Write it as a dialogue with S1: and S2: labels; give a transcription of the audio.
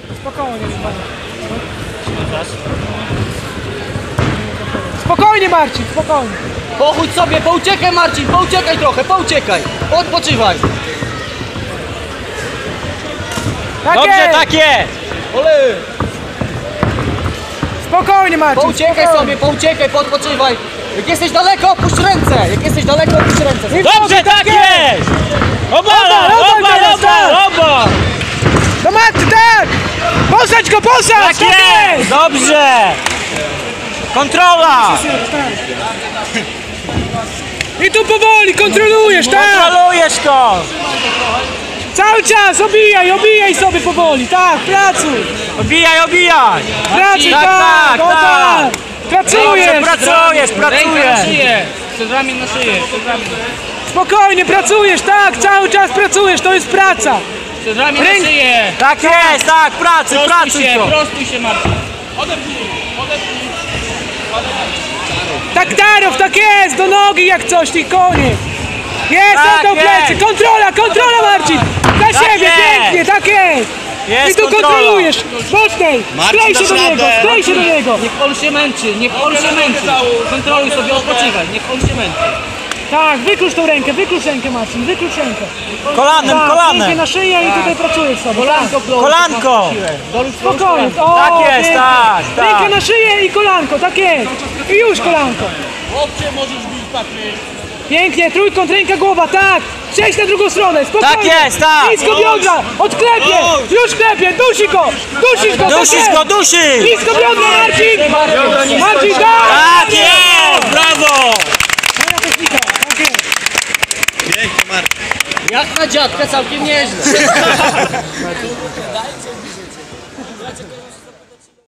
S1: Spokojnie, spokojnie Marcin, spokojnie.
S2: Pochódź sobie, pouciekaj Marcin, pouciekaj trochę, pouciekaj. Odpoczywaj.
S1: Tak
S3: Dobrze,
S1: jest.
S3: tak jest!
S2: Ole.
S1: Spokojnie Marcin.
S2: Pouciekaj
S1: spokojnie.
S2: sobie, pouciekaj, podpoczywaj. Jak jesteś daleko, opuść ręce. Jak jesteś daleko, opuść ręce.
S3: Dobrze, tak jest! Obala, oba!
S1: Do maty, tak! Posadź go, posadź!
S3: Tak jest! Dobrze! Kontrola!
S1: I tu powoli kontrolujesz, tak!
S3: Kontrolujesz go!
S1: Cały czas obijaj sobie powoli, tak, pracuj!
S3: Obijaj, obijaj!
S1: Pracuj,
S3: Tak,
S1: tak!
S3: tak,
S1: o
S3: tak.
S1: Pracujesz!
S3: Pracujesz!
S2: szyję. Przed ramię na szyję. Przed ramię.
S1: Spokojnie, pracujesz, tak! Cały czas pracujesz, to jest praca!
S2: Przed ramię
S1: Ręk-
S2: na szyję.
S3: Tak jest, tak, pracuj to!
S2: Prostuj się Marcin.
S1: Tak Tarow, tak jest! Do nogi jak coś, i koniec! Jest,
S3: Tak
S1: oddał plecy!
S3: jest.
S1: Kontrola Marcin! Za
S3: Tak
S1: siebie,
S3: jest.
S1: pięknie, tak jest!
S3: Jest
S1: I tu
S3: kontrola.
S1: kontrolujesz! Mocniej! Sklej się do niego, sklej się do niego!
S2: Niech on się męczy, niech on się męczy. Kontroluj sobie, odpoczywaj, niech on się męczy.
S1: Tak, wyklucz tą rękę, Marcin, wyklucz rękę.
S3: Kolanem,
S1: Tak, rękę
S3: kolanem!
S1: na szyję i tutaj pracujesz sobie.
S2: Kolanko,
S3: Kolanko!
S1: Spokojnie. O,
S3: Tak jest,
S1: pięknie.
S3: tak, tak.
S1: Rękę na szyję i kolanko, tak jest. I już kolanko.
S2: Chłopcze, możesz bić Patryk.
S1: Pięknie, trójkąt, ręka, głowa, tak. Przejdź na drugą stronę, spokojnie.
S3: Tak jest, tak.
S1: Blisko biodra, odklepie, już klepie, dusisz go, tak
S3: Dusisz
S1: jest.
S3: go, dusisz!
S1: Blisko biodra, Marcin. Marcin, tak.
S3: Tak jest! Brawo!
S1: Moja technika, tak jest.
S2: Jak na dziadka całkiem nieźle.